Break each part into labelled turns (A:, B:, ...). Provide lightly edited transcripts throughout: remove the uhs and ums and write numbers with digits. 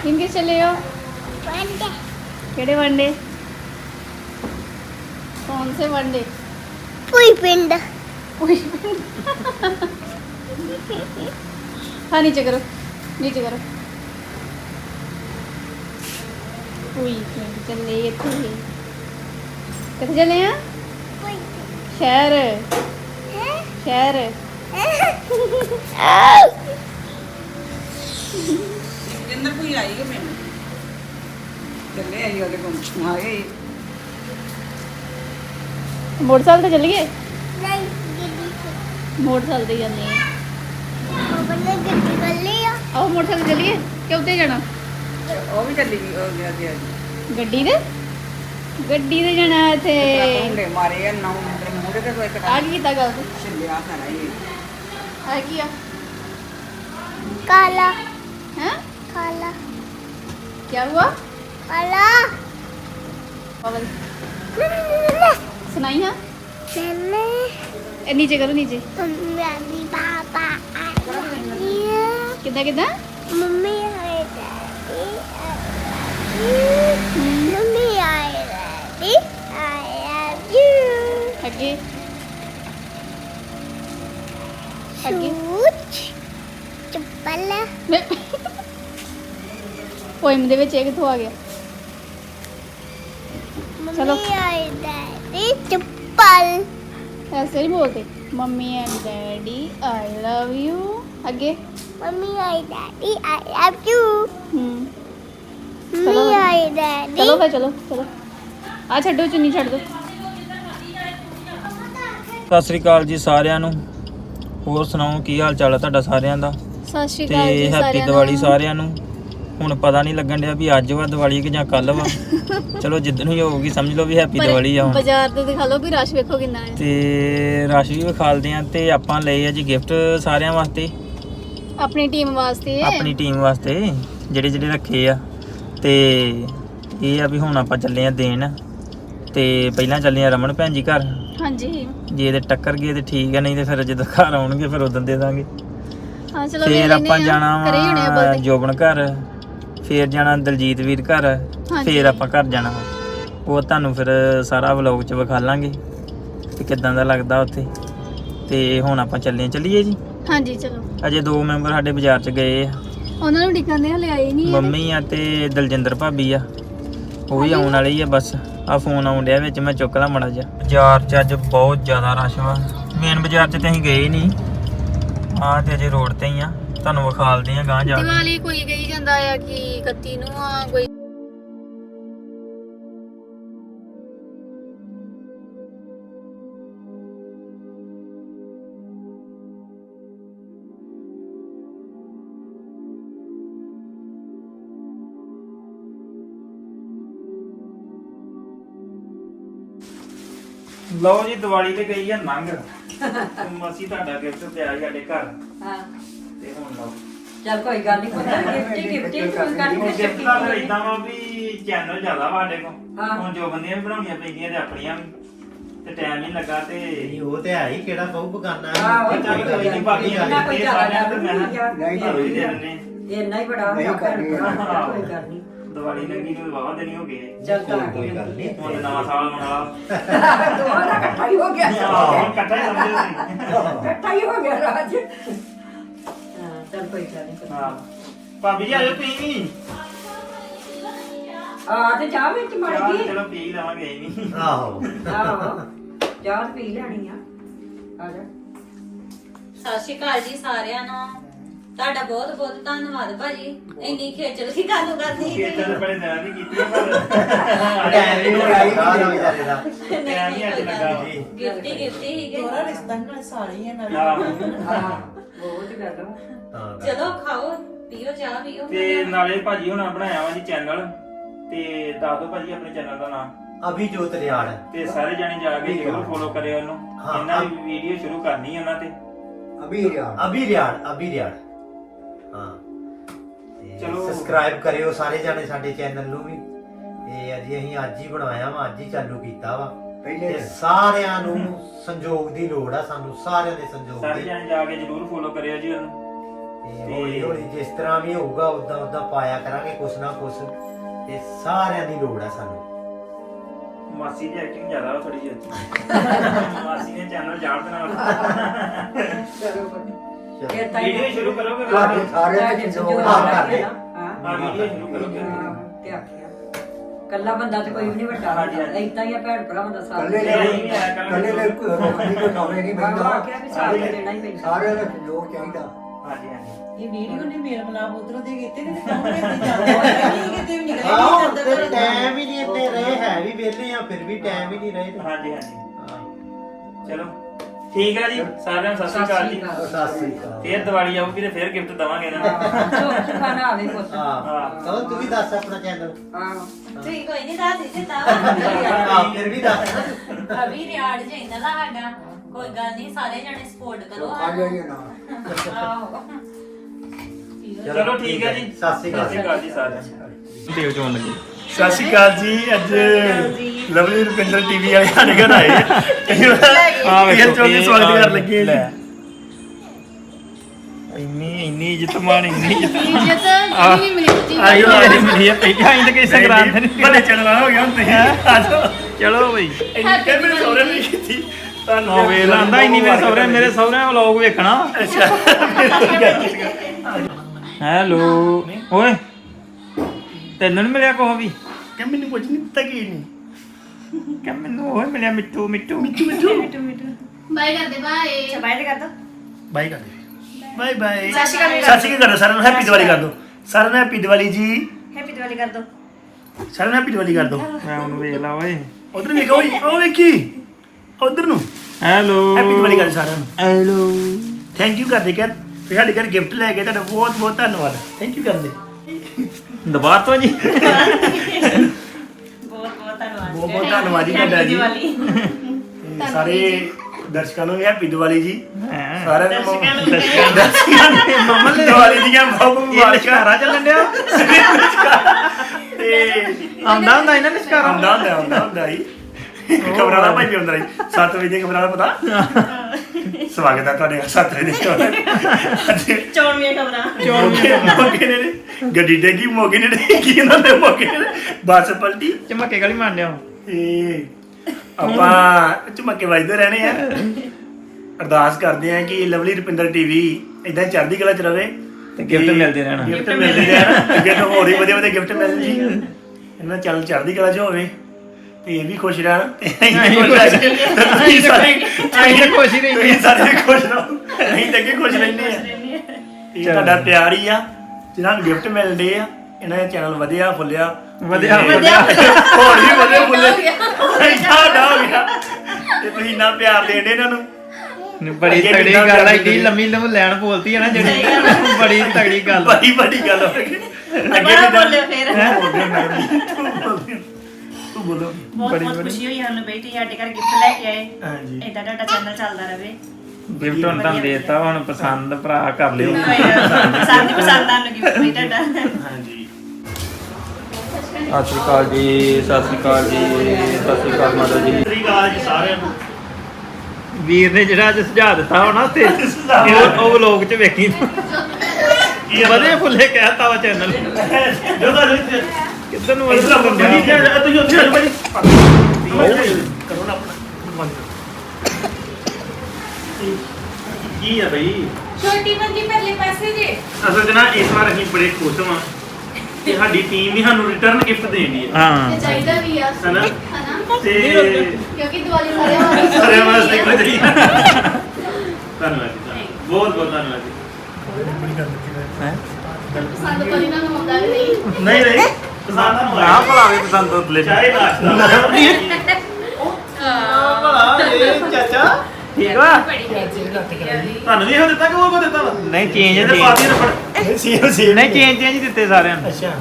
A: किनके चले हो?
B: वनडे
A: केड़े वनडे? कौन से वनडे?
B: पुई पिंड
A: हाँ नीचे करो, नीचे करो। उई चले इत्थे कित्थे चले हैं?
B: पुई
A: शहर
B: हैं
A: शहर
C: ਜਿੰਦਰ ਕੋਈ ਆਈ ਹੈ ਮੈਨੂੰ ਚੱਲੇ ਆਈ ਉਹਦੇ ਕੋਲ ਆਏ
A: मोटरसाइकिल ते चलिए
B: नहीं गिद्दी
A: मोटरसाइकिल ते जाने
B: बने गिद्दी कर लिया
A: आओ मोटरसाइकिल चलिए क्यों उत्ते जाना
C: ਉਹ ਵੀ ਚੱਲੀ ਗਈ ਉਹ ਗਿਆ ਗਿਆ
A: गड्डी ते जाना इत्थे
C: ਮੁੰਡੇ ਮਾਰੇ ਆ ਨੌ ਮੁੰਡੇ ਮੂਹਰੇ ਤੇ ਕੋਈ
A: आ
C: ਕਟਾ
A: की कीता गल
C: ਛਿੱਲਿਆ ਸਾਰਾ ਇਹ
A: आ किया
B: काला
A: हैं
B: काला
A: क्या हुआ
B: काला
A: पागल सुनाई हाँ
B: मैंने
A: ए, नीचे करो नीचे
B: मम्मी पापा आया
A: किदा किदा
B: मम्मी आए डैडी मम्मी आए डैडी आई लव यू
A: आगे आगे
B: शूज चप्पल
A: पोइम दे विच ਇਹ ਕਿੱਥੋਂ ਆ ਗਿਆ चलो।
B: मम्मी आए डैडी चप्पल
A: ऐसे नहीं बोलते mummy and daddy I love you आगे
B: मम्मी आए डैडी आई लव यू
A: चलो
B: मम्मी आए डैडी
A: चलो फिर चलो चलो आ छड्डो चुन्नी छड्ड दो
D: ਸਤਿ ਸ੍ਰੀ ਅਕਾਲ ਜੀ ਸਾਰਿਆਂ ਨੂੰ। ਹੋਰ ਸੁਣਾਓ ਕੀ ਹਾਲ ਚਾਲ ਹੈ ਤੁਹਾਡਾ ਸਾਰਿਆਂ ਦਾ?
A: सत श्री
D: ਤੇ
A: अकाल जी
D: ਹੈਪੀ
A: सारिਆਂ
D: ਦੀਵਾਲੀ
A: ਨੂੰ।
D: ਸਾਰਿਆਂ ਨੂੰ। ਹੁਣ ਪਤਾ ਨਹੀਂ ਲੱਗਣ ਡਿਆ ਵੀ ਅੱਜ ਵਾ ਦੀਵਾਲੀ ਕਿ ਜਾਂ ਕੱਲ ਵਾ। ਚਲੋ ਜਿੱਦਣ ਹੀ ਹੋਊਗੀ ਸਮਝ ਲਓ ਵੀ ਹੈਪੀ
A: ਪਰ
D: ਦੀਵਾਲੀ ਆ ਹੁਣ।
A: ਬਾਜ਼ਾਰ ਤੇ ਦਿਖਾ ਲਓ ਵੀ ਰਸ਼ ਵੇਖੋ ਕਿੰਨਾ ਹੈ
D: ਤੇ ਰਸ਼ ਵੀ ਵਿਖਾਲਦੇ ਆ ਤੇ ਆਪਾਂ ਲਏ ਆ ਜੀ ਗਿਫਟ ਸਾਰਿਆਂ ਵਾਸਤੇ,
A: ਆਪਣੀ ਟੀਮ ਵਾਸਤੇ
D: ਆਪਣੀ ਟੀਮ ਵਾਸਤੇ ਜਿਹੜੇ ਜਿਹੜੇ ਰੱਖੇ ਆ। ਤੇ ਇਹ ਆ ਵੀ ਹੁਣ ਆਪਾਂ ਚੱਲੇ ਆ ਦੇਣ। ਤੇ ਪਹਿਲਾਂ ਚੱਲੇ ਆ ਰਮਨ ਭੈਣ ਜੀ ਘਰ।
A: ਹਾਂਜੀ
D: ਜੇ ਇਹਦੇ ਟੱਕਰ ਗਏ ਤੇ ਠੀਕ ਹੈ, ਨਹੀਂ ਤੇ ਫਿਰ ਜਦੋਂ ਘਰ ਆਉਣਗੇ ਫਿਰ ਉਦੋਂ ਦੇ ਦਾਂਗੇ।
A: ਹਾਂ ਚਲੋ
D: ਫਿਰ
A: ਵੇਖ ਲੈਂਦੇ
D: ਆਪਾਂ
A: ਆ।
D: ਜਾਣਾ
A: ਘਰੇ ਹੀ ਹੋਣੇ ਆ
D: ਵਾ
A: ਬਲਦੇ।
D: ਜੋਬਨ ਘਰ, ਫਿਰ ਜਾਣਾ ਦਲਜੀਤ ਵੀਰ ਘਰ,
A: ਹਾਂਜੀ।
D: ਫਿਰ ਆਪਾਂ ਘਰ ਜਾਣਾ ਵਾ। ਉਹ ਤੁਹਾਨੂੰ ਫਿਰ ਸਾਰਾ ਵਲੌਗ 'ਚ ਵਿਖਾਲਾਂਗੇ ਕਿ ਕਿੱਦਾਂ ਦਾ ਲੱਗਦਾ ਉੱਥੇ। ਤੇ ਹੁਣ ਆਪਾਂ ਚੱਲੀਏ ਜੀ।
A: ਹਾਂਜੀ ਚਲੋ
D: ਅਜੇ 2 ਮੈਂਬਰ ਸਾਡੇ ਬਾਜ਼ਾਰ 'ਚ ਗਏ ਆ,
A: ਉਹਨਾਂ ਨੂੰ ਡਿੱਕਣਦੇ ਹਲੇ ਆਏ ਨਹੀਂ
D: ਮੰਮੀ ਆ ਤੇ ਦਲਜਿੰਦਰ ਭਾਬੀ ਆ। ਉਹ ਵੀ ਆਉਣ ਵਾਲੀ ਆ ਬਸ। ਆ ਫੋਨ ਆਉਣ ਡਿਆ ਵਿੱਚ, ਮੈਂ ਚੁੱਕ ਲਾਂ ਮਾੜਾ ਜਿਹਾ। ਬਾਜ਼ਾਰ 'ਚ ਅੱਜ ਬਹੁਤ ਜ਼ਿਆਦਾ ਰਸ਼ ਵਾ। ਮੇਨ ਬਾਜ਼ਾਰ 'ਚ ਤੇ ਅਸੀਂ ਗਏ ਨਹੀਂ, ਆਹ ਤੇ ਅਜੇ ਰੋਡ ਤੇ ਹੀ ਆ। ਤੁਹਾਨੂੰ ਵਿਖਾਲਦੇ ਆ ਗਾਂਹ ਜਾ ਕੇ।
A: ਦੀਵਾਲੀ ਕੋਈ ਕਹੀ ਜਾਂਦਾ ਆ ਕਿ 31 ਨੂੰ ਆ ਕੋਈ
D: ਲਓ ਜੀ ਦੀਵਾਲੀ ਤੇ ਗਈ ਆ ਨੰਗ। ਮਸੀ ਤੁਹਾਡਾ ਗਿਫਟ ਪਿਆ ਸੀ ਸਾਡੇ ਘਰ
C: ਹਾਂ
D: ਤੇ ਹੁਣ ਲਓ।
C: ਚੱਲ ਕੋਈ ਗੱਲ ਨਹੀਂ ਕੋਈ ਗਿਫਟ ਕੋਈ ਗੱਲ ਨਹੀਂ
D: ਗਿਫਟ ਦਾ ਫਿਰ ਇਦਾਂ ਵਾ ਵੀ ਚੈਨਲ ਜ਼ਿਆਦਾ ਵਾ ਸਾਡੇ ਕੋਲ।
C: ਹਾਂ।
D: ਹੁਣ ਜੋ ਬੰਦੀਆਂ ਵੀ ਬਣਾਉਣੀਆਂ ਪੈਂਦੀਆਂ ਤੇ ਆਪਣੀਆਂ ਵੀ, ਤੇ ਟਾਈਮ ਨਹੀਂ ਲੱਗਾ ਤੇ
E: ਨਹੀਂ ਉਹ ਤੇ ਹੈ ਹੀ ਕਿਹੜਾ ਬਹੁ ਬਗਾਨਾ
C: ਆਹੋ,
E: ਹੈ
D: ਚੱਲ ਕੋਈ ਨਹੀਂ ਬਾਕੀ ਆ
C: ਨਾ ਕੋਈ
D: ਦਿੱਤੇ
C: ਜ਼ਿਆਦਾ
D: ਸਾਰਿਆਂ ਤੇ ਮੈਂ
C: ਨਹੀਂ ਕਿਹਾ।
D: ਤੁਹਾਨੂੰ ਵੀ ਦੇ ਦਿੰਦੇ
C: ਇੰਨਾ ਹੀ ਬੜਾ ਹੋਇਆ ਭੈਣ ਭਰਾ, ਕੋਈ ਗੱਲ ਨਹੀਂ
D: ਦੀਵਾਲੀ ਲੱਗੀ ਨੂੰ ਵਾਵਾ ਦੇਣੀ ਹੋ ਗਏ।
C: ਚੱਲ ਤਾਂ
E: ਕੋਈ ਗੱਲ ਨਹੀਂ
D: ਹੁਣ ਨਵਾਂ ਸਾਲ ਮਨਾ
C: ਦੋਵਾਂ ਦਾ ਇਕੱਠਾ ਹੀ ਹੋ ਗਿਆ
D: ਹੁਣ ਇਕੱਠਾ ਹੀ ਸਮਝਦੇ ਸੀ।
C: ਇਕੱਠਾ ਹੀ ਹੋ ਗਿਆ ਰਾਜ ਹਾਂ ਚੱਲ ਕੋਈ ਗੱਲ ਨਹੀਂ
D: ਹਾਂ ਭਾਬੀ ਜੀ ਆਜੋ ਤੁਸੀਂ ਵੀ।
C: ਆ ਤੇ ਚਾਹ ਵਿੱਚ ਮੜ
D: ਚਾਹ
C: ਗਈ
D: ਚਲੋ ਪੀ ਲਵਾਂਗੇ ਹੀ ਨਹੀਂ।
E: ਆਹੋ
C: ਆਹੋ ਚਾਹ ਤਾਂ ਪੀ ਲੈਣੀ ਆ ਆ ਜਾ
F: ਸਤਿ ਸ਼੍ਰੀ ਅਕਾਲ ਜੀ ਸਾਰਿਆਂ ਨੂੰ। ਤੁਹਾਡਾ ਬਹੁਤ ਬਹੁਤ ਧੰਨਵਾਦ ਭਾਜੀ, ਇੰਨੀ ਖੇਚਲ ਕੀ ਕਾਹਨੂੰ ਕਰਦੀ
D: ਇਹ ਤਾਂ ਬੜੇ ਦਿਨਾਂ ਦੀ ਕੀਤੀ ਹੈ ਪਰ
E: ਟਾਈਮ ਹੀ ਲਗਾਈ ਨਾ ਵਿਚਾਰੇ ਦਾ
D: ਟਾਈਮ ਹੀ ਅੱਜ ਲੱਗਾ ਜੀ।
F: ਗਿਫਟੀ ਹੀਗੇ।
C: ਰਿਸ਼ਤਾ ਨਾਲ ਸਾਲੀ ਹੈ ਨਾਲ
D: ਆਹੋ।
C: ਹਾਂ ਬਹੁਤ ਗੱਲ ਵਾ।
E: ਹਾਂ
F: ਚਲੋ ਖਾਓ ਪੀਓ ਚਾਹ ਪੀਓ।
D: ਤੇ ਨਾਲੇ ਭਾਜੀ ਹੁਣਾਂ ਬਣਾਇਆ ਵਾ ਜੀ ਚੈਨਲ, ਤੇ ਦੱਸ ਦਿਓ ਭਾਜੀ ਆਪਣੇ ਚੈਨਲ ਦਾ ਨਾਮ।
E: ਅਭੀ ਜੋਤ ਰਿਆੜ
D: ਤੇ ਸਾਰੇ ਜਾਣੇ ਜਾ ਕੇ ਜਰੂਰ ਫੋਲੋ ਕਰਿਓ ਉਹਨੂੰ।
E: ਹਾਂ।
D: ਇਹਨਾਂ ਦੀ ਵੀਡੀਓ ਸ਼ੁਰੂ ਕਰਨੀ ਉਹਨਾਂ ਤੇ।
E: ਅਭੀ ਰਿਆੜ ਹਾਂ ਤੇ
D: ਚਲੋ।
E: ਸਬਸਕ੍ਰਾਈਬ ਕਰਿਓ ਸਾਰੇ ਜਾਣੇ ਸਾਡੇ ਚੈਨਲ ਨੂੰ ਵੀ। ਤੇ ਅਸੀਂ ਅੱਜ ਹੀ ਬਣਾਇਆ ਵਾ, ਅੱਜ ਹੀ ਚਾਲੂ ਕੀਤਾ ਵਾ। ਤੇ ਸਾਰਿਆਂ ਨੂੰ ਸੰਯੋਗ ਦੀ ਲੋੜ ਆ, ਸਾਨੂੰ ਸਾਰਿਆਂ ਦੇ ਸੰਯੋਗ
D: ਸਾਰੇ
E: ਦੀ।
D: ਜਾਣੇ ਜਾ ਕੇ ਜਰੂਰ ਫੋਲੋ ਕਰਿਓ ਜੀ ਉਹਨੂੰ।
E: ਤੇ ਹੌਲੀ ਹੌਲੀ ਜਿਸ ਤਰ੍ਹਾਂ ਵੀ ਹੋਊਗਾ ਉਦਾਂ ਉਦਾਂ ਪਾਇਆ ਕਰਾਂਗੇ ਕੁਛ ਨਾ ਕੁਛ, ਤੇ ਸਾਰਿਆਂ ਦੀ ਲੋੜ ਆ ਸਾਨੂੰ।
D: ਮਾਸੀ ਦੀ ਐਕਟਿੰਗ ਜ਼ਿਆਦਾ ਵਾ ਥੋੜੀ ਜਿਹੀ ਮਾਸੀ ਨੇ ਚੈਨਲ ਜਾਣ ਦੇਣਾ ਵੀਡੀਓ ਸ਼ੁਰੂ ਕਰੋਗੇ
E: ਤੁਹਾਡੇ ਸਾਰਿਆਂ ਦੇ ਲੋੜ ਆ ਕਰਦੇ
D: ਹਾਂ ਵੀਡੀਓ ਸ਼ੁਰੂ ਕਰੋਗੇ
G: ਤੇ ਆਖਿਆ ਕੱਲਾ ਬੰਦਾ ਤੇ ਕੋਈ ਵੀ ਨਹੀਂ ਵੱਡਾ ਏਦਾਂ ਹੀ ਆ ਭੈਣ ਭਰਾਵਾਂ ਦਾ ਸਾਥ
E: ਕੱਲੇ ਨੇ ਰੋਕਣੀ ਕੋ ਨੌਵੇਂ ਨਹੀਂ
G: ਬਾਬਾ ਆਖਿਆ ਵੀ ਸਾਥ ਦੇਣਾ ਹੀ ਪੈਂਦਾ
E: ਸਾਰਿਆਂ ਦਾ ਲੋੜ ਚਾਹੀਦਾ।
D: ਹਾਂਜੀ ਹਾਂਜੀ
G: ਇਹ ਵੀਡੀਓ ਨੇ ਮੇਲ ਮਲਾਪ ਉਧਰੋਂ ਦੇ ਕੀਤੇ ਨੇ ਕੰਮ ਕਿਤੇ ਜਾਂਦੇ ਕਿਤੇ ਵੀ ਨਿਕਲੇ
E: ਆਹੋ
G: ਨਹੀਂ
E: ਤੇ
G: ਜਾਂਦਾ
E: ਟਾਈਮ ਹੀ ਨਹੀਂ ਇੰਨੇ ਰਹੇ, ਹੈ ਵੀ ਵਿਹਲੇ ਆ ਫਿਰ ਵੀ ਟਾਈਮ ਹੀ ਨਹੀਂ ਰਹੇ।
D: ਹਾਂਜੀ ਹਾਂਜੀ
E: ਹਾਂ
D: ਚਲੋ ਠੀਕ ਹੈ ਜੀ ਸਾਰਿਆਂ ਨੂੰ ਸਤਿ ਸ਼੍ਰੀ ਅਕਾਲ ਜੀ।
E: ਸਤਿ ਸ੍ਰੀ ਅਕਾਲ।
D: ਫੇਰ ਦੀਵਾਲੀ ਆਊਗੀ ਤੇ ਫੇਰ ਗਿਫਟ ਦਵਾਂਗੇ ਇਹਨਾਂ ਨੂੰ
G: ਖਾਣਾ ਆਵੇ ਪੁੱਤ
E: ਹਾਂ ਕਹੋ ਤੂੰ ਵੀ ਦੱਸ ਆਪਣਾ ਚੈਨਲ।
F: ਠੀਕ ਕੋਈ ਨਹੀਂ ਦੱਸ ਦਿੱਤਾ
E: ਹਾਂ ਫਿਰ ਵੀ ਦੱਸ।
F: ਅਭੀ ਰਿਆੜ ਚਾਹੀਦਾ ਨਾ ਸਾਡਾ ਕੋਈ ਗੱਲ ਨਹੀਂ ਸਾਰੇ ਜਣੇ ਸਪੋਰਟ ਕਰੋ ਆਹੋ
D: ਚਲੋ ਠੀਕ ਹੈ ਜੀ
E: ਸਤਿ ਸ੍ਰੀ ਅਕਾਲ
D: ਜੀ ਸਾਰਿਆਂ ਨੂੰ ਦੇਵ ਚੋਣ ਲੱਗੇ।
H: ਸਤਿ ਸ਼੍ਰੀ ਅਕਾਲ ਜੀ। ਅੱਜ ਲਵਲੀ ਰੁਪਿੰਦਰ ਟੀਵੀ ਵਾਲੇ ਸਾਡੇ ਘਰ ਆਏ ਇਹ ਚੋਂ ਸਵਾਗਤ ਕਰਨ ਲੱਗੇ ਜੀ।
D: ਇੰਨੀ ਇੱਜ਼ਤ ਮਾਣ ਇੰਨੀ ਇੱਜ਼ਤ
A: ਇੱਜ਼ਤ ਜਿਹੜੀ ਵੀ ਮਿਲੀ ਜੀ
H: ਆਇਓ
D: ਮੇਰੀ ਮਿਲੀ ਹੈ ਪਹਿਲਾਂ ਆਈ ਤਾਂ ਕਿਸੇ ਸੰਗਰਾਂਦ ਨਹੀਂ
H: ਬੜੇ ਚੜਵਾ ਹੋ ਗਿਆ ਹੁਣ ਤੁਸੀਂ ਆ ਜਾਓ।
D: ਚਲੋ ਬਈ
H: ਇਹ ਮੇਰੇ ਸਹੁਰੇ ਨੇ ਕੀਤੀ ਤੁਹਾਨੂੰ
D: ਉਹ ਵੇਖ ਲਾਂਦਾ ਇੰਨੀ ਮੇਰੇ ਸਹੁਰਿਆਂ ਵਲੌਗ ਵੇਖਣਾ। ਹੈਲੋ ਓਏ ਤੈਨੂੰ ਨੀ ਮਿਲਿਆ ਕੋਹ ਵੀ
H: ਕਿ ਮੈਨੂੰ ਕੁਝ ਨਹੀਂ ਪਤਾ ਕੀ ਨਹੀਂ
D: ਕਿ ਮੈਨੂੰ ਓਏ ਮਿਲਿਆ ਮਿੱਠੂ ਮਿੱਠੂ
A: ਬਾਏ ਕਰਦੇ ਬਾਏ
G: ਬਾਏ ਤੇ ਕਰ ਦੋ
H: ਬਾਈ ਕਰ ਦੇ ਬਾਈ ਬਾਈ ਸਤਿ ਸ਼੍ਰੀ ਅਕਾਲ ਕਰ ਦੋ ਸਾਰਿਆਂ ਨੂੰ ਹੈਪੀ ਦੀਵਾਲੀ ਕਰ ਦੋ ਸਾਰਿਆਂ ਨੂੰ ਹੈਪੀ ਦੀਵਾਲੀ ਜੀ।
G: ਹੈਪੀ ਦੀਵਾਲੀ ਕਰ ਦੋ
H: ਸਾਰਿਆਂ ਨੂੰ ਹੈਪੀ ਦੀਵਾਲੀ ਕਰ ਦੋ।
D: ਮੈਂ ਉਹਨੂੰ ਵੇਖ ਲਾ ਓਏ
H: ਉਧਰ ਵੇਖੋ ਉਹ ਵੇਖੀ ਉਧਰ ਨੂੰ
D: ਹੈਲੋ
H: ਹੈਪੀ ਦੀਵਾਲੀ ਕਰ ਸਾਰਿਆਂ ਨੂੰ।
D: ਹੈਲੋ
H: ਥੈਂਕ ਯੂ ਕਰਦੇ ਕਰ ਤੇ ਸਾਡੇ ਘਰ ਗਿਫਟ ਲੈ ਕੇ ਤੁਹਾਡਾ ਬਹੁਤ ਬਹੁਤ ਧੰਨਵਾਦ। ਥੈਂਕ ਯੂ ਕਰਦੇ
D: ਦੁਬਾਰਾ ਤੋਂ ਜੀ
G: ਬਹੁਤ ਬਹੁਤ ਧੰਨਵਾਦ
H: ਬਹੁਤ ਬਹੁਤ ਧੰਨਵਾਦ ਜੀ ਤੁਹਾਡਾ ਜੀ। ਤੇ ਸਾਰੇ ਦਰਸ਼ਕਾਂ ਨੂੰ ਵੀ ਹੈਪੀ ਦੀਵਾਲੀ ਜੀ। ਸਾਰਿਆਂ ਨੂੰ ਦਰਸ਼ਕਾਂ ਨੂੰ ਮਮਲ ਦੀਵਾਲੀ ਦੀਆਂ ਬਹੁਤ ਬਹੁਤ ਮੁਬਾਰਕਾਂ।
D: ਚੱਲਣ ਡਿਆ
H: ਤੇ
D: ਆਉਂਦਾ ਹੁੰਦਾ ਇਹਨਾਂ ਨਿਸ਼ਕਾਰਾ
H: ਹੁੰਦਾ ਹੀ ਖਬਰਾਂ ਦਾ ਭਾਈ ਹੁੰਦਾ ਜੀ 7 ਵਜੇ ਖਬਰਾਂ ਦਾ ਪਤਾ। ਸਵਾਗਤ ਹੈ ਤੁਹਾਡੇ 7 ਵਜੇ ਅੱਜ
G: ਚੌਣਵੀਆਂ ਖਬਰਾਂ
H: ਮੌਕੇ ਨੇ ਗੱਡੀ ਡੇਗੀ ਮੌਕੇ ਨੇ ਡੇਗੀ ਇਹਨਾਂ ਦੇ ਮੌਕੇ ਨੇ ਬੱਸ ਪਲਟੀ
D: ਚਮਕੇ ਗਲੀ ਮਾਰ ਲਿਆ
H: ਤੇ ਆਪਾਂ ਝੁਮਕੇ ਵੱਜਦੇ ਰਹਿਣੇ ਆ। ਅਰਦਾਸ ਕਰਦੇ ਆ ਕਿ ਲਵਲੀ ਰੁਪਿੰਦਰ ਟੀਵੀ ਇਦਾਂ ਚੜ੍ਹਦੀ ਕਲਾ ਚ ਰਵੇ
D: ਤੇ ਗਿਫਟ ਮਿਲਦੇ ਰਹਿਣਾ।
H: ਗਿਫਟ ਮਿਲਦੇ ਰਹਿਣ ਅੱਗੇ ਤੋਂ ਹੋਰ ਹੀ ਵਧੀਆ ਵਧੀਆ ਗਿਫਟ ਮਿਲਣ ਜੀ। ਇਹਨਾਂ ਚੱਲ ਚੜ੍ਹਦੀ ਕਲਾ ਚ ਹੋਵੇ ਤੇ ਇਹ ਵੀ ਖੁਸ਼ ਰਹਿਣ ਤੇ ਅਸੀਂ ਵੀ ਖੁਸ਼ ਰਹਿ ਤੁਸੀਂ ਸਾਰੇ
D: ਖੁਸ਼ ਹੀ ਰਹਿੰਦੇ।
H: ਤੁਸੀਂ ਸਾਰੇ ਖੁਸ਼ ਰਹੋ ਅਸੀਂ ਤਾਂ ਅੱਗੇ ਖੁਸ਼ ਰਹਿੰਦੇ ਆ। ਇਹ ਤੁਹਾਡਾ ਪਿਆਰ ਹੀ ਆ ਜਿਹਨਾਂ ਨੂੰ ਗਿਫਟ ਮਿਲਦੇ ਆ। ਇਹਨਾਂ ਦਾ ਚੈਨਲ ਵਧਿਆ ਫੁੱਲਿਆ
D: ਵਧਿਆ
H: ਹੋਰ ਵੀ ਵਧਿਆ ਫੁੱਲੇ ਇੰਨਾ ਹੋ ਗਿਆ ਤੇ ਤੁਸੀਂ ਇੰਨਾ ਪਿਆਰ ਦੇਂਦੇ ਇਹਨਾਂ ਨੂੰ।
D: ਬੜੀ ਤਗੜੀ ਗੱਲ ਹੈ ਏਡੀ ਲੰਮੀ ਲੈਣ ਬੋਲਤੀ ਹੈ ਨਾ ਜਿਹੜੀ ਬੜੀ ਤਗੜੀ ਗੱਲ
H: ਬੜੀ ਗੱਲ ਹੋ ਗਈ। ਅੱਗੇ ਵੀ
G: ਬੋਲਿਓ ਫਿਰ
H: ਤੂੰ ਬੋਲੋ।
G: ਬਹੁਤ ਬਹੁਤ ਖੁਸ਼ੀ ਹੋਈ ਸਾਨੂੰ ਬੇਟੀ ਸਾਡੇ ਘਰ ਗਿਫਟ ਲੈ ਕੇ ਆਏ।
H: ਹਾਂਜੀ
G: ਇਦਾਂ ਤੁਹਾਡਾ ਚੈਨਲ ਚੱਲਦਾ ਰਹੇ।
D: ਗਿਫਟ ਹੁਣ ਤੁਹਾਨੂੰ ਦੇਤਾ ਹੁਣ ਪਸੰਦ ਭਰਾ ਕਰ ਲਿਓ।
G: ਪਸੰਦ ਆਣ ਲੱਗੀ ਬਈ ਤੁਹਾਡਾ।
H: ਹਾਂਜੀ
D: ਸਤਿ ਸ਼੍ਰੀ ਅਕਾਲ ਜੀ ਸਤਿ ਸ਼੍ਰੀ ਅਕਾਲ ਜੀ ਸਤਿ ਸ਼੍ਰੀ ਅਕਾਲ ਮਾਤਾ ਜੀ।
H: ਸਤਿ ਸ਼੍ਰੀ ਅਕਾਲ ਜੀ ਸਾਰਿਆਂ ਨੂੰ।
D: ਵੀਰ ਨੇ ਜਿਹੜਾ ਅੱਜ ਸੁਝਾਅ ਦਿੱਤਾ ਹੋਣਾ ਉੱਥੇ ਉਹ ਵਲੋਗ 'ਚ ਵੇਖੀ ਵਧੇ ਫੁੱਲੇ ਕਹਿਤਾ ਵਾ ਚੈਨਲ ਕਿੱਧਰ ਨੂੰ
H: ਤੁਸੀਂ ਉੱਥੇ ਆ ਭਾਈ ਕਰੋ ਨਾ ਆਪਣਾ ਕੀ ਆ ਬਈ।
A: ਛੋਟੀ ਬੰਦੀ ਪਹਿਲੇ ਪੈਸੇ ਦੇ
H: ਅਸਲ 'ਚ ਨਾ ਇਸ ਵਾਰ ਅਸੀਂ ਬੜੇ ਖੁਸ਼ ਹਾਂ ਕਿ ਸਾਡੀ ਟੀਮ ਵੀ ਸਾਨੂੰ ਰਿਟਰਨ ਗਿਫਟ ਦੇਣੀ ਹੈ
D: ਹਾਂ
A: ਚਾਹੀਦਾ ਵੀ ਆ
H: ਹਨਾ
A: ਹਨਾ
H: ਤੇ
A: ਕਿਉਂਕਿ ਦੀਵਾਲੀ ਸਾਰਿਆਂ
H: ਸਾਰਿਆਂ ਵਾਸਤੇ ਕੁਝ ਨਹੀਂ। ਧੰਨਵਾਦ ਜੀ ਬਹੁਤ ਬਹੁਤ ਧੰਨਵਾਦ ਜੀ।
A: ਪਸੰਦ ਕੋਈ ਨਾ ਹੁੰਦਾ ਵੀ ਨਹੀਂ
H: ਨਹੀਂ ਨਹੀਂ ਪਸੰਦ
D: ਨਾ ਭਲਾਵੇ ਪਸੰਦ ਤੋਂ ਲੈ
H: ਚਾਹੇ ਨਾਸ਼ਤਾ
E: ਚਾਚਾ
D: ਠੀਕ ਵਾ
H: ਤੁਹਾਨੂੰ ਵੀ ਇਹੋ ਦਿੱਤਾ ਕਿ ਉਹ ਕੋ ਦਿੱਤਾ ਵਾ
D: ਨਹੀਂ ਚੇਂਜ
H: ਇਹਦੇ ਪਾਤੀ ਰਫੜ ਸੀ
D: ਨਹੀਂ ਚੇਂਜ ਚੇਂਜ ਦਿੱਤੇ ਸਾਰਿਆਂ ਨੂੰ।
H: ਅੱਛਾ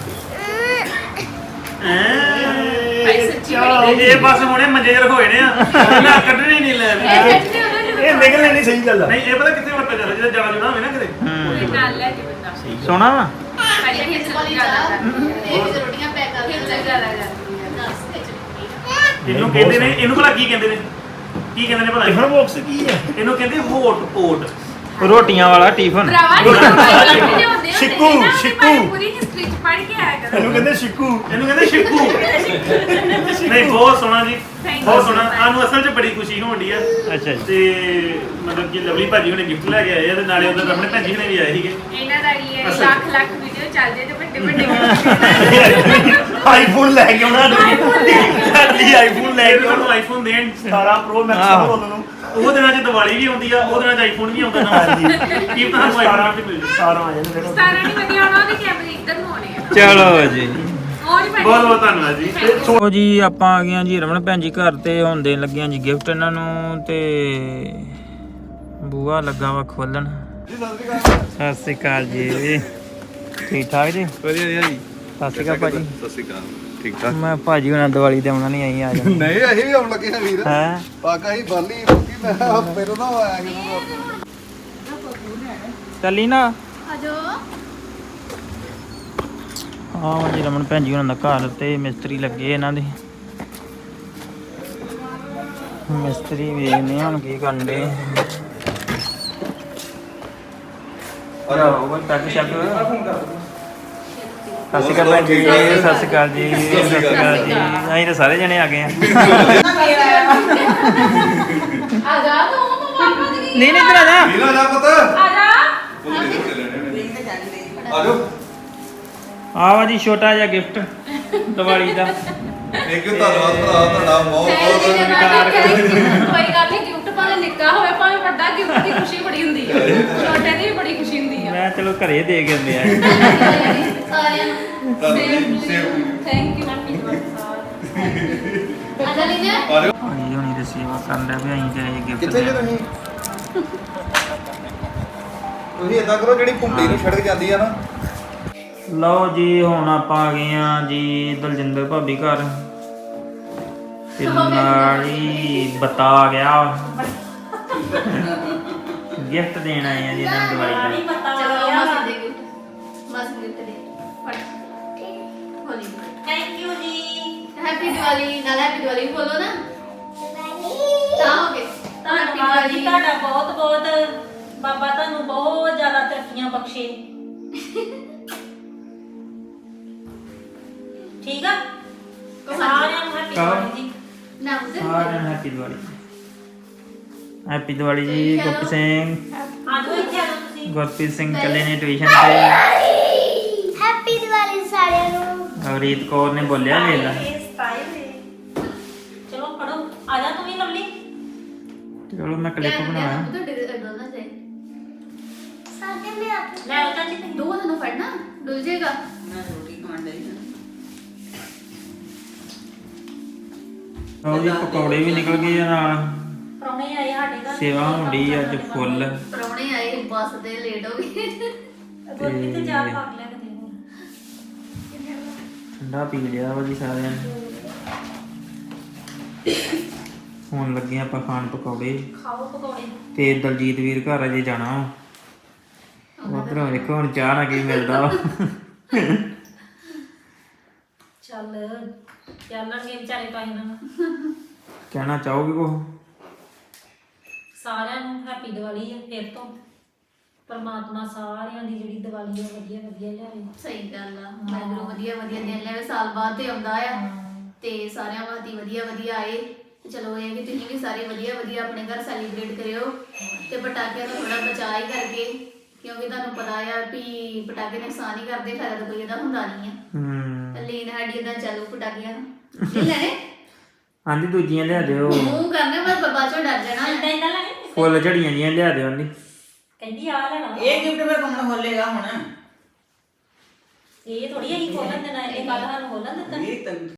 H: ਇਹ ਬਸ ਹੁਣੇ ਮੰਜੇ ਰਖੋਏ ਨੇ ਆ ਨਾ ਕੱਢਣੇ ਨਹੀਂ ਲੈ ਇਹ ਨਿਕਲਣੇ ਨਹੀਂ ਸਹੀ ਗੱਲ ਆ ਨਹੀਂ ਇਹ ਪਤਾ ਕਿੱਥੇ ਵਰਤਿਆ ਜਾਂਦਾ ਜਦੋਂ ਜਾ ਜੁਣਾ ਹੋਵੇ ਨਾ ਕਿਤੇ
A: ਨਾਲ ਲੈ ਕੇ ਬੰਦਾ
D: ਸੋਹਣਾ ਵਾ
A: ਸਾਡੇ ਖੇਤ ਵਾਲੀ ਚਾਹ ਤੇ ਇਹ ਰੋਟੀਆਂ ਪੈਕ ਕਰ ਕੇ ਜ਼ਿਆਦਾ
H: ਇਹਨੂੰ ਕਹਿੰਦੇ ਨੇ ਇਹਨੂੰ ਭਲਾ ਕੀ ਕਹਿੰਦੇ ਨੇ ਕੀ ਕਹਿੰਦੇ ਨੇ ਭਲਾ
E: ਟਿਫਨ ਬਾਕਸ ਕੀ ਹੈ?
H: ਇਹਨੂੰ ਕਹਿੰਦੇ ਹੋਟ ਓਟ
D: ਰੋਟੀਆਂ ਵਾਲਾ ਟਿਫਨ
H: ਸ਼ਿਕੂ ਸ਼ਿਕੂ
I: ਪੂਰੀ ਹਿਸਟਰੀ ਚ ਪੜ੍ਹ ਕੇ ਆਇਆ ਕਰੋ।
H: ਇਹਨੂੰ ਕਹਿੰਦੇ ਸ਼ਿਕੂ ਨਹੀਂ ਬਹੁਤ ਸੋਹਣਾ ਜੀ ਬਹੁਤ ਸੋਹਣਾ ਸਾਨੂੰ ਅਸਲ 'ਚ ਬੜੀ ਖੁਸ਼ੀ ਹੋਣੀ ਆ
D: ਅੱਛਾ ਜੀ
H: ਤੇ ਮਤਲਬ ਕਿ ਲਵਲੀ ਭਾਜੀ ਹੁਣੇ ਗਿਫਟ ਲੈ ਕੇ ਆਏ ਆ ਤੇ ਨਾਲੇ ਉਧਰ ਆਪਣੇ ਭੈਣ ਜੀ ਹੁਣੇ ਵੀ ਆਏ ਸੀਗੇ
I: ਇਹਨਾਂ ਦਾ ਕੀ ਹੈ ਲੱਖ ਵੀਡੀਓ ਚੱਲਦੇ ਤੇ ਵੱਡੇ ਵੱਡੇ
H: ਆਈਫੋਨ ਲੈ ਕੇ ਆਉਣਾ ਸਾਡੀ ਆਈਫੋਨ ਲੈ ਕੇ ਉਹਨੂੰ ਆਈਫੋਨ ਦੇਣ 17 ਪ੍ਰੋ ਮੈਕਸ ਉਹਨਾਂ ਨੂੰ ਉਹ ਦਿਨਾਂ 'ਚ ਦੀਵਾਲੀ ਵੀ ਆਉਂਦੀ ਆ ਉਹ ਦਿਨਾਂ 'ਚ ਆਈਫੋਨ ਵੀ ਆਉਂਦਾ ਨਾ ਕੀ ਪਤਾ ਸਾਨੂੰ ਆਈਫੋਨ ਤੇ ਮਿਲ ਜਾਏ 17 ਆ ਜਾਂਦੇ ਫਿਰ
I: 17 ਨਹੀਂ ਵਧੀਆ ਆਉਣਾ ਉਹਦੇ ਕੈਮਰੇ ਇੱਧਰ ਨੂੰ ਆਉਣੇ ਆ
D: ਚਲੋ ਜੀ
I: ਉਹ ਨਹੀਂ
H: ਬਹੁਤ ਬਹੁਤ ਧੰਨਵਾਦ ਜੀ
D: ਸੋ ਜੀ ਆਪਾਂ ਆ ਗਏ ਆ ਜੀ ਰਮਨ ਭੈਣ ਜੀ ਘਰ ਤੇ ਹੁਣ ਦੇਣ ਲੱਗੇ ਆ ਜੀ ਗਿਫਟ ਇਹਨਾਂ ਨੂੰ ਤੇ ਬੂਆ ਲੱਗਾ ਵਾ ਖੋਲਣ ਸਤਿ ਸ਼੍ਰੀ ਅਕਾਲ ਜੀ ਠੀਕ ਠਾਕ ਜੀ
J: ਵਧੀਆ ਜੀ
D: ਸਤਿ ਸ਼੍ਰੀ ਅਕਾਲ ਭਾਜੀ
J: ਸਤਿ ਸ਼੍ਰੀ ਅਕਾਲ ਠੀਕ ਠਾਕ
D: ਮੈਂ ਭਾਜੀ ਹੁਣਾਂ ਦੀਵਾਲੀ ਤੇ ਆਉਣਾ ਨਹੀਂ ਆਈ ਆ ਜਾ
J: ਨਹੀਂ ਅਸੀਂ ਵੀ ਆਉਣ ਲੱਗੇ ਹਾਂ ਵੀਰ
D: ਹੈ
J: ਪਾਕਾ ਹੀ ਬਾਲੀ ਰੋਕੀ ਮੈਂ ਫਿਰ ਨਾ ਆਇਆ ਜਦੋਂ
D: ਚੱਲੀ ਨਾ
A: ਆਜੋ
D: ਹਾਂ ਜੀ ਰਮਨ ਭੈਣ ਜੀ ਹੁਣਾਂ ਦਾ ਘਰ ਤੇ ਮਿਸਤਰੀ ਲੱਗੇ ਇਹਨਾਂ ਦੇ ਮਿਸਤਰੀ ਵੇਖਦੇ ਹੁਣ ਕੀ ਕਰਨ ਦੇ ਅਰੇ ਉਹ ਬੰਦ ਟੱਕ ਸ਼ੱਕ ਸਤਿ ਸ਼੍ਰੀ ਅਕਾਲ ਭੈਣ ਜੀ ਸਤਿ ਸ਼੍ਰੀ ਅਕਾਲ ਜੀ ਸਤਿ ਸ਼੍ਰੀ ਅਕਾਲ ਜੀ ਅਸੀਂ ਤਾਂ ਸਾਰੇ ਜਣੇ ਆ ਗਏ ਆ
A: ਆ ਜਾ ਤੂੰ ਪਾਪਾ ਦੀ
D: ਨਹੀਂ ਨਹੀਂ ਇੱਧਰ ਆ ਜਾ
J: ਵੀਰ ਆ ਜਾ ਪੁੱਤ
I: ਆ ਜਾ
J: ਆ ਜਾਓ
D: ਆ ਵਾ ਜੀ ਛੋਟਾ ਜਿਹਾ ਗਿਫਟ ਦੀਵਾਲੀ ਦਾ
J: ਥੈਂਕ ਯੂ ਧੰਨਵਾਦ ਭਰਾ ਤੁਹਾਡਾ ਬਹੁਤ ਬਹੁਤ
I: ਕੋਈ ਗੱਲ ਨਹੀਂ ਗਿਫਟ ਭਾਵੇਂ ਨਿੱਕਾ ਹੋਵੇ ਭਾਵੇਂ ਵੱਡਾ ਗਿਫਟ ਦੀ ਖੁਸ਼ੀ ਬੜੀ ਹੁੰਦੀ ਹੈ ਛੋਟੇ ਦੀ ਵੀ ਬੜੀ ਖੁਸ਼ੀ ਹੁੰਦੀ ਆ
D: ਮੈਂ ਚਲੋ ਘਰੇ ਦੇ ਕੇ ਆਉਂਦੇ ਆ
A: ਸਾਰਿਆਂ ਨੂੰ
I: ਥੈਂਕ ਯੂ
A: ਆ ਜਾ ਲੀਨਾ
D: ਹਾਂਜੀ ਹੁਣੀ ਤੇ ਸੇਵਾ ਕਰਨ ਦਾ ਵੀ ਅਸੀਂ ਤੇ ਇਹ ਗਿਫਟ
J: ਕਿੱਥੇ ਜੇ ਤੁਸੀਂ ਤੁਸੀਂ ਇਦਾਂ ਕਰੋ ਜਿਹੜੀ ਭੁੰਡੀ ਨੂੰ ਛੜਕ ਜਾਂਦੀ ਆ ਨਾ
D: ਲਓ ਜੀ ਹੁਣ ਆਪਾਂ ਆ ਗਏ ਆ ਜੀ ਦਲਜਿੰਦਰ ਭਾਬੀ ਘਰ ਤੇ ਨਾਲ ਹੀ ਬਤਾ ਗਿਆ ਗਿਫਟ ਦੇਣ ਆਏ ਆ ਜੀ ਇਹਨਾਂ ਨੂੰ ਦੀਵਾਲੀ ਦਾ
A: ਚਲੋ ਮਾਸੀ ਦੇ ਗਿਫਟ ਮਾਸੀ ਗਿਫਟ ਦੇ ਫੜ ਹੋਲੀ
F: thank you ji
A: happy Diwali ਨਾਲ ਹੈਪੀ ਦੀਵਾਲੀ ਬੋਲੋ ਨਾ ਤਾਂ ਹੋ ਗਏ
F: ਧੰਨਵਾਦ ਜੀ ਤੁਹਾਡਾ ਬਹੁਤ ਬਹੁਤ ਬਾਬਾ ਤੁਹਾਨੂੰ ਬਹੁਤ ਜ਼ਿਆਦਾ ਤਰੱਕੀਆਂ ਬਖਸ਼ੇ ਠੀਕ ਆ ਸਾਰਿਆਂ ਨੂੰ ਹੈਪੀ ਦੀਵਾਲੀ ਜੀ
A: ਨਾ ਉਸੇ
D: ਸਾਰਿਆਂ ਨੂੰ ਹੈਪੀ ਦੀਵਾਲੀ ਹੈਪੀ ਦੀਵਾਲੀ ਜੀ ਗੁਰਪ੍ਰੀਤ ਸਿੰਘ
F: ਆਜੋ ਇੱਥੇ ਆਜੋ ਤੁਸੀਂ
D: ਗੁਰਪ੍ਰੀਤ ਸਿੰਘ ਚੱਲੇ ਨੇ ਟਿਊਸ਼ਨ ਤੇ
B: ਹੈਪੀ ਦੀਵਾਲੀ ਸਾਰਿਆਂ ਨੂੰ
D: ਰੀਤ ਕੌਰ ਨੇ ਬੋਲਿਆ ਵੇਖ ਲੈ
F: ਇਹ ਸਟਾਈਲ ਹੈ ਚਲੋ ਫੜੋ ਆ ਜਾ ਤੂੰ ਵੀ ਲਵਲੀ
D: ਚਲੋ ਮੈਂ ਕਲਿੱਪ ਬਣਾਇਆ
A: ਤੁਹਾਡੇ ਦੋਨਾਂ ਚਾਹੀ
B: ਸਾਡੇ ਮੇ ਆਪ
F: ਲੈ ਆਓ ਚਾਚੀ
A: ਦੋ ਦਿਨੋਂ ਫੜਨਾ ਡੁੱਲ ਜਾਏਗਾ
C: ਮੈਂ ਰੋਟੀ ਖਾਣ ਡਈ ਹਾਂ
D: ਉਹ ਜੀ ਪਕੌੜੇ ਵੀ ਨਿਕਲ ਗਏ ਆ ਨਾਲ
F: ਪ੍ਰਾਹੁਣੇ ਆਏ ਸਾਡੇ ਘਰ
D: ਸੇਵਾ ਹੁੰਦੀ ਅੱਜ ਫੁੱਲ
A: ਪ੍ਰਾਹੁਣੇ ਆਏ ਬੱਸ ਦੇ ਲੇਟ ਹੋ ਗਏ
F: ਗੁਰਪ੍ਰੀਤ ਤੇ ਜਾ ਪਾਕ ਲੈ ਕੇ ਦੇ ਹੋਰ
D: ਠੰਡਾ ਪੀ ਲਿਆ ਵਾ ਜੀ ਸਾਰਿਆਂ ਨੇ ਹੁਣ ਲੱਗੇ ਆਪਾਂ ਖਾਣ ਪਕੌੜੇ
F: ਖਾਓ ਪਕੌੜੇ
D: ਤੇ ਦਲਜੀਤ ਵੀਰ ਘਰ ਅਜੇ ਜਾਣਾ ਉਧਰੋਂ ਵੇਖੋ ਹੁਣ ਚਾਹ ਨਾ ਕੀ ਮਿਲਦਾ ਵਾ
F: ਚੱਲਣਗੇ ਵਿਚਾਰੇ ਤਾਂ ਇਹਨਾਂ ਨੂੰ
D: ਕਹਿਣਾ ਚਾਹੋਗੇ ਕੋ
F: ਸਾਰਿਆਂ ਨੂੰ ਹੈਪੀ ਦੀਵਾਲੀ ਹੈ ਫਿਰ ਤੋਂ ਪਰਮਾਤਮਾ ਸਾਰਿਆਂ ਦੀ ਜਿਹੜੀ ਦੀਵਾਲੀ ਹੈ ਵਧੀਆ ਵਧੀਆ ਲਿਆਵੇ
A: ਸਹੀ ਗੱਲ ਆ ਮੈਨੂੰ ਵਧੀਆ ਵਧੀਆ ਦਿਨ ਲਿਆਵੇ ਸਾਲ ਬਾਅਦ ਤੇ ਆਉਂਦਾ ਆ ਤੇ ਸਾਰਿਆਂ ਵਾਸਤੇ ਵਧੀਆ ਵਧੀਆ ਆਏ ਤੇ ਚਲੋ ਇਹ ਕਿ ਤੁਸੀਂ ਵੀ ਸਾਰੇ ਵਧੀਆ ਵਧੀਆ ਆਪਣੇ ਘਰ ਸੈਲੀਬ੍ਰੇਟ ਕਰਿਓ ਤੇ ਪਟਾਕਿਆਂ ਤੋਂ ਥੋੜਾ ਬਚਾਅ ਹੀ ਕਰਕੇ ਕਿਉਂਕਿ ਤੁਹਾਨੂੰ ਪਤਾ ਆ ਵੀ ਪਟਾਕੇ ਨੁਕਸਾਨ ਹੀ ਕਰਦੇ ਫਾਇਦਾ ਤਾਂ ਕੋਈ ਇਹਦਾ ਹੁੰਦਾ ਨਹੀਂ ਆ ਲੀਨ ਸਾਡੀ ਇਦਾਂ ਚੱਲੂ ਪਟਾਕਿਆਂ ਨੂੰ ਨਹੀਂ ਲੈਣੇ
D: ਆਂਦੀ ਦੂਜੀਆਂ ਲਿਆ ਦਿਓ
A: ਮੂੰਹ ਕਰਨੇ ਮੈਂ ਬਾਬਾ ਚੋਂ ਡਰ ਜਾਣਾ
F: ਇਦਾਂ ਇਦਾਂ ਲੈਣੇ
D: ਫੁੱਲ ਝੜੀਆਂ ਜੀਆਂ ਲਿਆ ਦਿਓ ਆਂਦੀ
F: ਕਹਿੰਦੀ ਆ ਲੈਣਾ
C: ਇਹ ਗਿਫਟ ਫਿਰ ਕੌਣ ਖੋਲੇਗਾ ਹੁਣ
F: ਇਹ ਥੋੜੀ ਅਸੀਂ ਖੋਲਣ ਦੇਣਾ ਇਹ ਕੱਲ ਸਾਨੂੰ ਖੋਲਣ ਦਿੱਤਾ
C: ਇਹ ਤੈਨੂੰ